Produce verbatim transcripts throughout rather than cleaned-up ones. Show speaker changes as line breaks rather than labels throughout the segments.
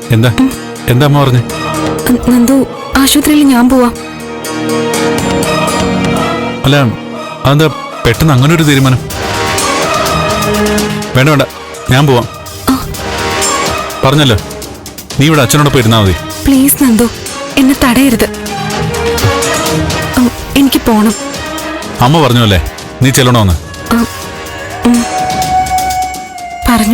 എന്താ എന്താ അമ്മ പറഞ്ഞു?
നന്ദു, ആശുപത്രിയിൽ ഞാൻ പോവാം.
അല്ല, അതെന്താ പെട്ടെന്ന് അങ്ങനെ ഒരു തീരുമാനം? വേണ്ട വേണ്ട, ഞാൻ പോവാം. പറഞ്ഞല്ലോ, നീ ഇവിടെ അച്ഛനോടൊപ്പം ഇരുന്നാ മതി.
പ്ലീസ് നന്ദു, എന്നെ തടയരുത്. എനിക്ക് പോണം.
അമ്മ പറഞ്ഞു അല്ലേ നീ ചെല്ലണോന്ന്?
പറഞ്ഞു.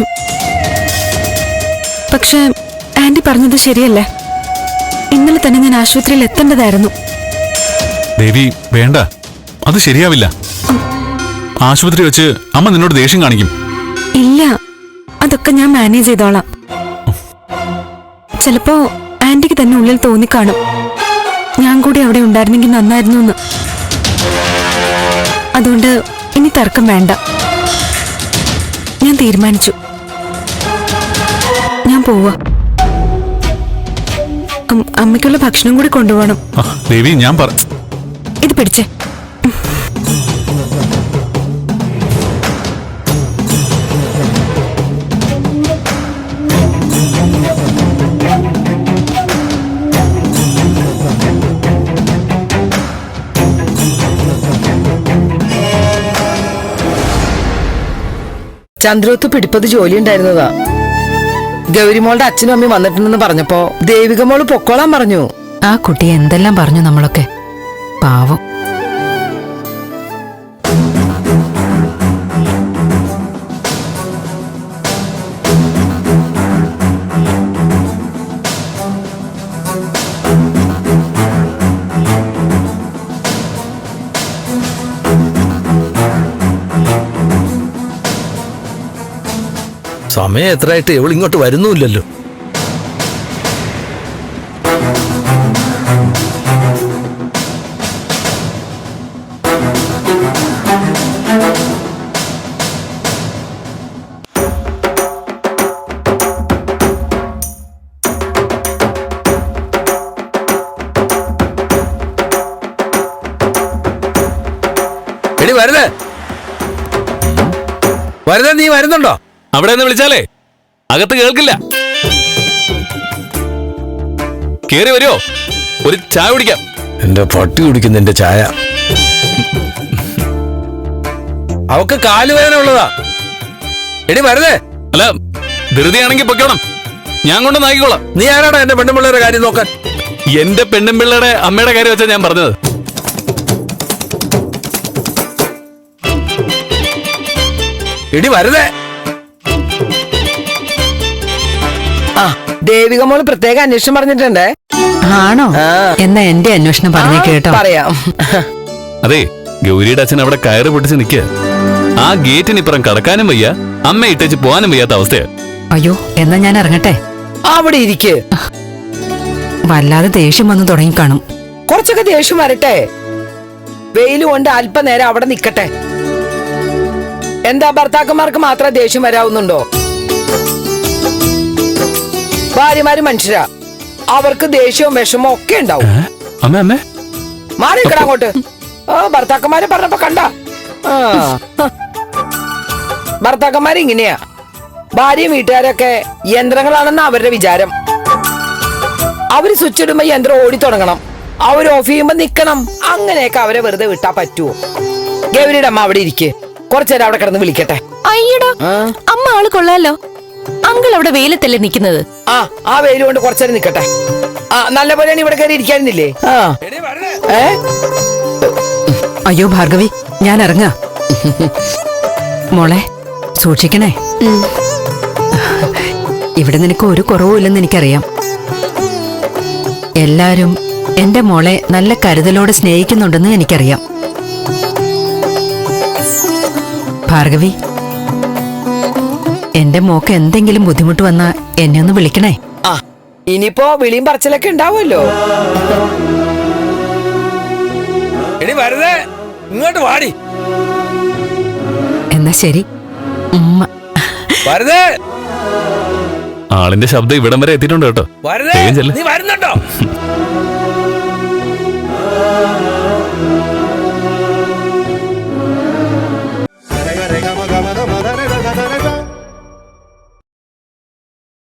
പക്ഷെ ആന്റി പറഞ്ഞത് ശരിയല്ലേ? ഇന്നലെ തന്നെ ഞാൻ ആശുപത്രിയിൽ എത്തേണ്ടതായിരുന്നു.
ദേവി വേണ്ട, അത് ശരിയാവില്ല. ആശുപത്രി വെച്ച് അമ്മ നിന്നോട് ദേഷ്യം കാണിക്കും.
ഇല്ല, അതൊക്കെ ഞാൻ മാനേജ് ചെയ്തോളാം. ചിലപ്പോ ആന്റിക്ക് തന്നെ ഉള്ളിൽ തോന്നിക്കാണും ഞാൻ കൂടി അവിടെ ഉണ്ടായിരുന്നെങ്കിൽ നന്നായിരുന്നു എന്ന്. അതുകൊണ്ട് ഇനി തർക്കം വേണ്ട. ഞാൻ തീരുമാനിച്ചു. ഞാൻ പോവാ. അമ്മയ്ക്കുള്ള ഭക്ഷണം കൂടി കൊണ്ടുപോകണം.
ദേവി ഞാൻ പറ,
ഇത് പിടിച്ചേ.
ചന്ദ്രോത്ത് പിടിപ്പത് ജോലി ഉണ്ടായിരുന്നതാ. ഗൗരിമോളുടെ അച്ഛനും അമ്മയും വന്നിട്ടുണ്ടെന്ന് പറഞ്ഞപ്പോ ദേവികമോള് പൊക്കോളാൻ പറഞ്ഞു.
ആ കുട്ടി എന്തെല്ലാം പറഞ്ഞു നമ്മളൊക്കെ. പാവം.
സമയം എത്രയായിട്ട് ഇവളിങ്ങോട്ട് വരുന്നുമില്ലല്ലോ. എടി വരുന്നേ, വരുന്നേ, നീ വരുന്നുണ്ടോ?
അവിടെ നിന്ന് വിളിച്ചാലേ അകത്ത് കേൾക്കില്ല. കേറി വരുമോ? ഒരു ചായ കുടിക്കാം.
എന്റെ പട്ടി കുടിക്കുന്ന എന്റെ ചായ. അവക്ക് കാലുവേദന ഉള്ളതാ. എടി വരുന്നേ.
അല്ല, ധൃതിയാണെങ്കിൽ പൊയ്ക്കോണം, ഞാൻ കൊണ്ട് നായിക്കോളാം.
നീ ആരാടാ എന്റെ പെണ്ണുപിള്ളേരുടെ കാര്യം നോക്കാൻ?
എന്റെ പെണ്ണുപിള്ളയുടെ അമ്മയുടെ കാര്യം വെച്ചാ ഞാൻ പറഞ്ഞത്.
എടി വരുന്നേ.
ആ, ദേവികമോള് പ്രത്യേക അന്വേഷണം പറഞ്ഞിട്ടുണ്ടേ.
ആണോ? എന്നാ എന്റെ അന്വേഷണം പറഞ്ഞു കേട്ടോ.
പറയാം.
അതെ, ഗൗരിയുടെ അച്ഛൻ അവിടെ കയറ് പൊട്ടിച്ച് നിൽക്കുക. ആ ഗേറ്റിനിപ്പുറം കടക്കാനും വയ്യ, അമ്മ ഇട്ടേച്ച് പോകാനും വയ്യാത്ത അവസ്ഥയാ.
അയ്യോ, എന്നാ ഞാൻ ഇറങ്ങട്ടെ.
അവിടെ ഇരിക്ക്.
വല്ലാതെ ദേഷ്യം വന്നു തുടങ്ങിക്കാണും.
കുറച്ചൊക്കെ ദേഷ്യം വരട്ടെ. വെയില് കൊണ്ട് അല്പനേരം അവിടെ നിക്കട്ടെ. എന്താ ഭർത്താക്കന്മാർക്ക് മാത്രം ദേഷ്യം വരാവുന്നുണ്ടോ? ഭാര്യമാര് മനുഷ്യരാ, അവർക്ക് ദേഷ്യവും വിഷമവും ഒക്കെ ഉണ്ടാവും.
അമ്മ അമ്മ
മാറിക്കട അങ്ങോട്ട്. ആ, ഭർത്താക്കന്മാരെ പറഞ്ഞപ്പോ കണ്ട. ഭർത്താക്കന്മാര് ഇങ്ങനെയാ. ഭാര്യയും വീട്ടുകാരൊക്കെ യന്ത്രങ്ങളാണെന്ന് അവരുടെ വിചാരം. അവര് സ്വിച്ച് ഇടുമ്പോ യന്ത്രം ഓടി തുടങ്ങണം, അവര് ഓഫ് ചെയ്യുമ്പോ നിക്കണം. അങ്ങനെയൊക്കെ അവരെ വെറുതെ വിട്ടാ പറ്റുവോ? ഗൗരിയുടെ അമ്മ അവിടെ ഇരിക്കെ, കുറച്ചേരം അവിടെ കിടന്ന് വിളിക്കട്ടെ.
അയ്യടാ, അമ്മ ആള് കൊള്ളാലോ. അങ്കിൾ അവിടെ വെയിലത്തല്ലേ നിക്കുന്നത്?
ആ ആ വെയിൽ കൊണ്ട് കുറച്ചേരം നിക്കട്ടെ. ആ, നല്ല പോലെയാണ് ഇവിടെ കയറി ഇരിക്കാനില്ലേ?
അയ്യോ ഭാർഗവി, ഞാൻ ഇറങ്ങാ. മോളെ സൂക്ഷിക്കണേ. ഇവിടെ നിനക്ക് ഒരു കുറവുമില്ലെന്ന് എനിക്കറിയാം. എല്ലാരും എന്റെ മോളെ നല്ല കരുതലോടെ സ്നേഹിക്കുന്നുണ്ടെന്ന് എനിക്കറിയാം. ഭാർഗവി, എന്റെ മോക്ക് എന്തെങ്കിലും ബുദ്ധിമുട്ട് വന്നാ എന്നെ ഒന്ന് വിളിക്കണേ.
ആ, ഇനിയിപ്പോ വിളിയും പറച്ചിലൊക്കെ ഉണ്ടാവുമല്ലോ.
എടി വരുന്നേ, ഇങ്ങോട്ട് വാടി.
എന്നാ ശരി. ഉമ്മ.
വരുന്നേ.
ആളിന്റെ ശബ്ദം ഇവിടം വരെ എത്തിയിട്ടുണ്ട് കേട്ടോ.
വരുന്നേ, നീ വരുന്നുണ്ടോ?